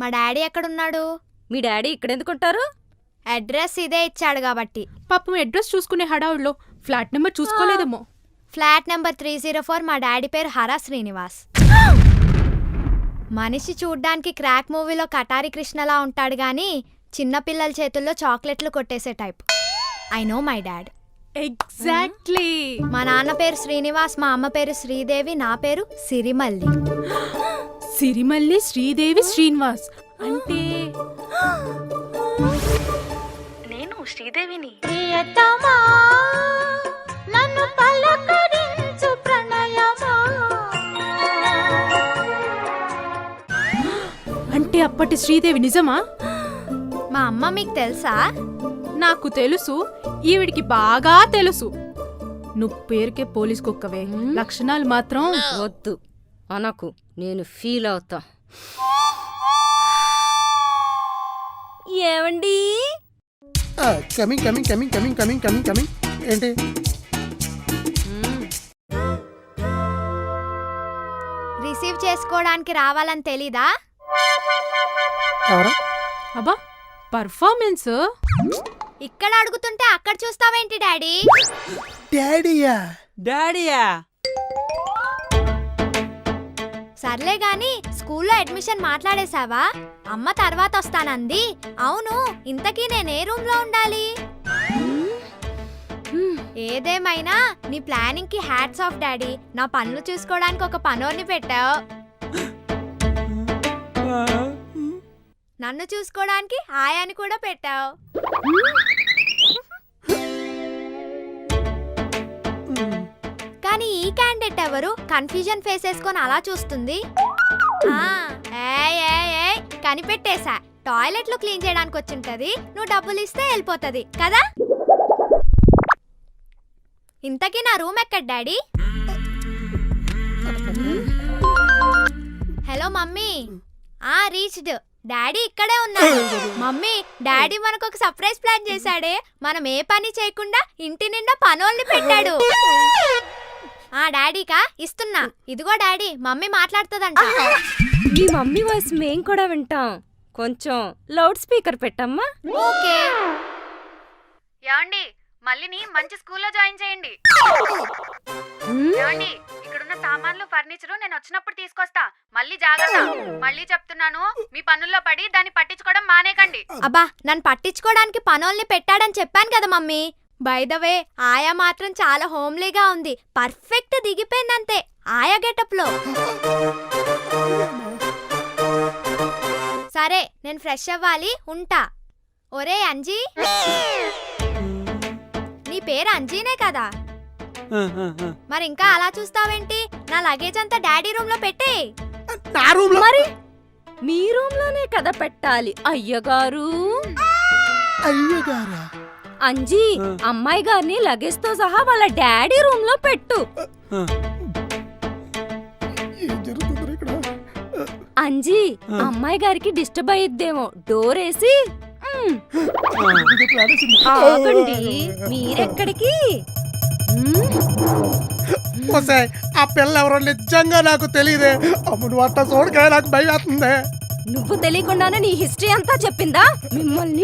మా డాడీ ఎక్కడున్నాడు? మీ daddy ఇక్కడెందుకుంటారు? Address ఇదే ఇచ్చాడు కాబట్టి. పాపం అడ్రస్ చూసుకునే హడావుల్లో ఫ్లాట్ నెంబర్ చూసుకోలేదేమో. Flat number 304. మా డాడీ పేరు హరా శ్రీనివాస్. మనిషి చూడ్డానికి క్రాక్ మూవీలో కటారి కృష్ణలా ఉంటాడు గాని చిన్నపిల్లల చేతుల్లో చాక్లెట్లు కొట్టేసే type. I know my dad. Exactly. మా నాన్న పేరు శ్రీనివాస్, మా అమ్మ పేరు శ్రీదేవి, నా పేరు సిరిమల్లి. సిరిమల్లి శ్రీదేవి శ్రీనివాస్ అంటే నేను శ్రీదేవిని. అంటే అప్పటి శ్రీదేవి నిజమా? మా అమ్మ మీకు తెలుసా? నాకు తెలుసు, ఈవిడికి బాగా తెలుసు. నువ్వు పేరుకే పోలీస్ కుక్కవే, లక్షణాలు మాత్రం వద్దు అనకు, నేను ఫీల్ అవుతా. ఏమండి? Coming coming coming coming coming coming coming ఏంటి? రిసీవ్ చేసుకోవడానికి రావాలని తెలీదా? అబ్బా పర్ఫార్మెన్స్ ఇక్కడ అడుగుతుంటే అక్కడ చూస్తావేంటి డాడీ? డాడీయా? డాడీయా? సర్లే గాని స్కూల్లో అడ్మిషన్ మాట్లాడేశావా? అమ్మ తర్వాత వస్తానంది. అవును, ఇంతకీ నేను ఏ రూమ్ లో ఉండాలి? ఏదేమైనా నీ ప్లానింగ్ కి హ్యాట్స్ ఆఫ్ డాడీ. నా పనులు చూసుకోవడానికి ఒక పనోర్ని పెట్టావు, నన్ను చూసుకోవడానికి ఆయాని కూడా పెట్టావు. కానీ ఈ క్యాండిడేట్ ఎవరు? కన్ఫ్యూజన్ ఫేస్ వేసుకొని అలా చూస్తుంది. కనిపెట్టేశా, టాయిలెట్ లో క్లీన్ చేయడానికి వచ్చింటది, నువ్వు డబ్బులు ఇస్తే వెళ్ళిపోతది కదా. ఇంతకీ నా రూమ్ ఎక్కడ daddy? Hello mummy. Reached. Daddy ఇక్కడే ఉన్నాడు. మమ్మీ, డాడీ మనకు ఒక సర్ప్రైజ్ ప్లాన్ చేశాడే. మనం ఏ పని చేయకుండా ఇంటి నిండా పనోల్ని పెట్టాడు. డాడీకా ఇస్తున్నా. ఇదిగో డాడీ, మమ్మీ మాట్లాడుతుందంట. మీ మమ్మీ వాయిస్ మేం కూడా వింటాం. కొంచెం లౌడ్ స్పీకర్ పెట్టమ్మా. ఓకే. ఏమండి, మళ్ళీని మంచి స్కూల్లో జాయిన్ చేయండి. ఏమండి, ఇక్కడున్న సామాన్లు ఫర్నిచరు నేను వచ్చినప్పుడు తీసుకొస్తా. మళ్ళీ జాగ్రత్త. మళ్ళీ చెప్తున్నాను, మీ పనుల్లో పడి దాన్ని పట్టించుకోవడం మానేకండి. అబ్బా, నన్ను పట్టించుకోవడానికి పనోల్ని పెట్టాడని చెప్పాను కదా మమ్మీ. బై ద వే, ఆయా మాత్రం చాలా హోమ్లీగా ఉంది. పర్ఫెక్ట్ దిగిపోయిందంతే ఆయా గెటప్ లో. సరే, నేను ఫ్రెష్ అవ్వాలి, ఉంటా. ఒరే అంజీ, నీ పేరు అంజీనే కదా? మరి ఇంకా అలా చూస్తావేంటి? నా లగేజ్ అంతా డాడీ రూమ్ లో పెట్టే. మరి మీ రూమ్ లోనే కదా పెట్టాలి అయ్యగారు. అయ్యగారా? అంజీ, అమ్మాయి గారిని లగేజ్ తో సహా వాళ్ళ డాడీ రూమ్ లో పెట్టు. అంజీ, అమ్మాయి గారికి డిస్టర్బ్ అయ్యిద్దేమో, డోర్ వేసి. ఆగండి, మీరెక్కడికి? ఆ పిల్ల ఎవరో నిజంగా నాకు తెలియదే. అమ్ముడు అట్ట చూడగా నాకు భయం అవుతుంది. నువ్వు తెలియకుండానే నీ హిస్టరీ అంతా చెప్పిందా మిమ్మల్ని?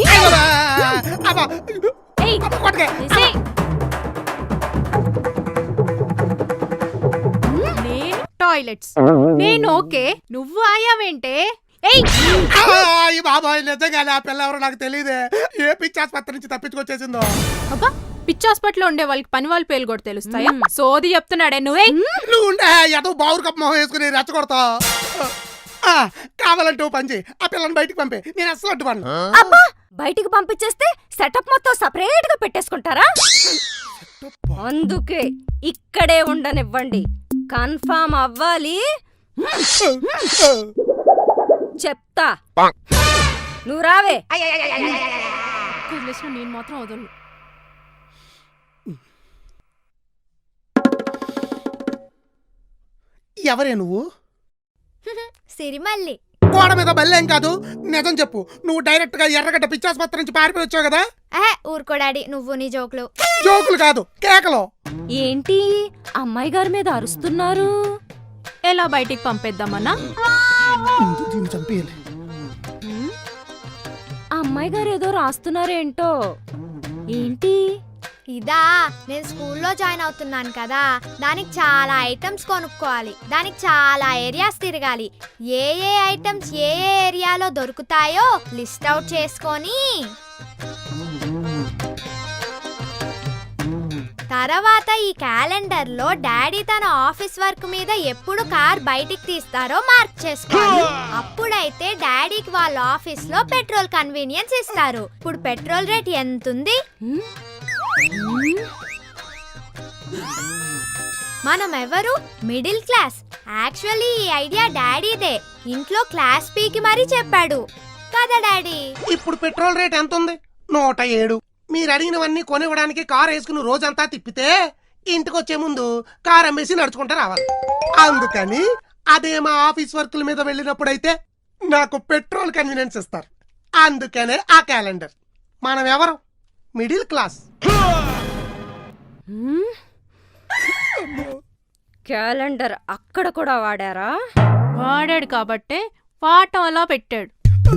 నేను టాయిలెట్స్, నేను ఓకే, నువ్వు ఆయావేంటే? బాబాయ్, నిజంగా ఆ పిల్ల ఎవరో నాకు తెలియదే. ఏ పిచ్చి ఆసుపత్రి నుంచి తప్పించుకొచ్చేసిందో. అబ్బా, పిచ్చి హాస్పిటల్ లో ఉండే వాళ్ళకి పని వాళ్ళ పేర్లు కూడా తెలుస్తాయా? సోది చెప్తున్నాడే నువ్వే. నువ్వు ఏదో బావురు కప్ప మొహం వేసుకుని రెచ్చగొడతా. కావాలంటే ఓ పని చేయి, ఆ పిల్లని బయటికి పంపే. నేను అసలు అడ్డుపడను. అబ్బా, బయటికి పంపించేస్తే సెటప్ మొత్తం సపరేట్ గా పెట్టేసుకుంటారా? అందుకే ఇక్కడే ఉండనివ్వండి, కన్ఫర్మ్ అవ్వాలి. చెప్తా, నువ్వు రావే. నేను మాత్రం వదలను. ఎవరే నువ్వు? సిరిమల్లి. గోడ మీద బల్లేం కాదు, నిజం చెప్పు. నువ్వు డైరెక్ట్ గా ఎర్రగడ్డ పిచ్చాసుపత్రి నుంచి పారిపోయి వచ్చావు కదా? ఊరుకో డాడీ, నువ్వు నీ జోకులు. జోకులు కాదు, కేకలు. ఏంటి అమ్మాయి గారి మీద అరుస్తున్నారు? ఎలా బయటికి పంపేద్దామన్నా? దీన్ని చంపేయాలి. అమ్మాయి గారు ఏదో రాస్తున్నారేంటో. ఏంటి? ఇదా, నేను స్కూల్లో జాయిన్ అవుతున్నాను కదా, దానికి చాలా ఐటమ్స్ కొనుక్కోవాలి, దానికి చాలా ఏరియాస్ తిరగాలి. ఏ ఏ ఐటమ్స్ ఏ ఏ ఏరియాలో దొరుకుతాయో లిస్ట్ అవుట్ చేసుకొని తర్వాత ఈ క్యాలెండర్ లో డాడీ తన ఆఫీస్ వర్క్ మీద ఎప్పుడు కార్ బయటికి తీస్తారో మార్క్ చేసుకోవాలి. అప్పుడైతే డాడీకి వాళ్ళ ఆఫీస్ లో పెట్రోల్ కన్వీనియన్స్ ఇస్తారు. ఇప్పుడు పెట్రోల్ రేట్ ఎంతుంది? మనం ఎవరు? Middle class. యాక్చువల్లీ ఈ ఐడియా డాడీదే. ఇంట్లో క్లాస్ పీకి మరీ చెప్పాడు కదా డాడీ. ఇప్పుడు పెట్రోల్ రేట్ ఎంత ఉంది? 107. మీరు అడిగినవన్నీ కొనివ్వడానికి కారు వేసుకుని రోజంతా తిప్పితే ఇంటికి వచ్చే ముందు కారు అమ్మేసి నడుచుకుంటూ రావాలి. అందుకని అదే మా ఆఫీస్ వర్కుల మీద వెళ్ళినప్పుడైతే నాకు పెట్రోల్ కన్వీనియన్స్ ఇస్తారు. అందుకనే ఆ క్యాలెండర్. మనం ఎవరు? Middle class. క్యాలెండర్ అక్కడ కూడా వాడారా? వాడాడు కాబట్టే వాటం అలా పెట్టాడు.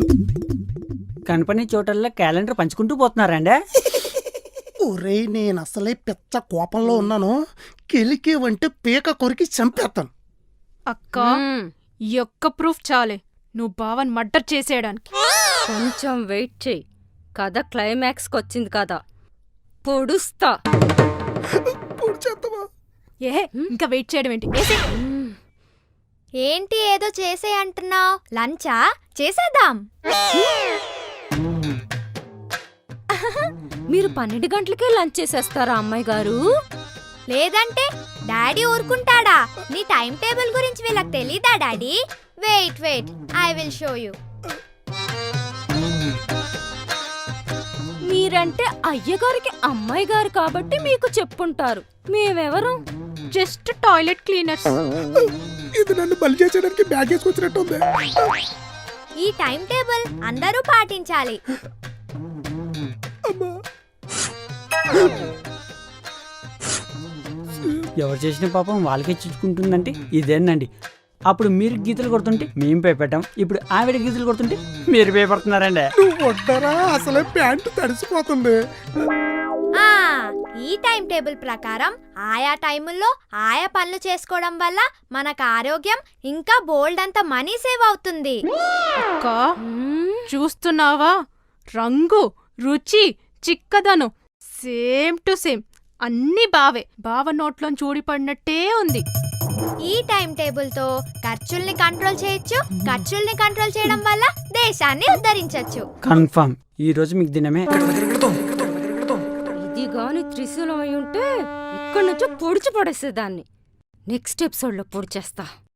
కనపని చోటల్లో క్యాలెండర్ పంచుకుంటూ పోతున్నారండి. ఒరే, నేను అసలే పెద్ద కోపంలో ఉన్నాను. కెలికేవంటే పీక కొరికి చంపేస్తాను. అక్క, ఈ ఒక్క ప్రూఫ్ చాలే నువ్వు బావన్ మర్డర్ చేసేయడానికి. కొంచెం వెయిట్ చెయ్యి. కథ క్లైమాక్స్కి వచ్చింది కదా, పొడుస్తా. ఏ ఇంకా వెయిట్ చేయడం ఏంటి? ఏసేయ్. ఏంటి ఏదో చేసే అంటున్నావు? లంచా? చేసేద్దాం. మీరు 12 గంటలకే లంచ్ చేసేస్తారా అమ్మాయి గారు? లేదంటే డాడీ ఊరుకుంటాడా? నీ టైం టేబుల్ గురించి వీళ్ళకి తెలీదా daddy? Wait wait, I will show you. మీరంటే అయ్యగారికి అమ్మాయి గారు కాబట్టి మీకు చెప్పుంటారు. మేమెవరు? Just toilet cleaners. ఇది నన్ను బలి చేసేయడానికి బ్యాగ్ వేసుకొచ్చినట్టు ఉంది. ఈ టైం టేబుల్ అందరూ పాటించాలి. ఎవరు చేసిన పాపం వాళ్ళకే చుట్టుకుంటుందంటే ఇదేనండి. అప్పుడు మీరు గీతలు కొడుతుంటే మేము భయపెట్టాం, ఇప్పుడు ఆవిడ గీతలు కొడుతుంటే మీరు భయపడుతున్నారండి. నువ్వు వడ్డరా, అసలే ప్యాంటు తడిసిపోతుంది. ఆ ఈ టైం టేబుల్ ప్రకారం ఆయా టైముల్లో ఆయా పనులు చేసుకోవడం వల్ల మనకు ఆరోగ్యం ఇంకా బోల్డ్ అంత మనీ సేవ్ అవుతుంది. అక్క, చూస్తున్నావా? రంగు, రుచి, చిక్కదనం సేమ్ టు సేమ్ అన్ని బావే. బావ నోట్లోంచి ఊడిపడినట్టే ఉంది. ఈ టైం టేబుల్ తో ఖర్చుల్ని కంట్రోల్ చేయొచ్చు. ఖర్చుల్ని కంట్రోల్ చేయడం వల్ల దేశాన్ని ఉద్ధరించొచ్చు. కన్ఫర్మ్ ఈ రోజు మీకు దినమే. ఇది గాని త్రిశూలం అయి ఉంటే ఇక్కడి నుంచో పొడిచి పడేసేదాన్ని. నెక్స్ట్ ఎపిసోడ్లో పొడిచేస్తా.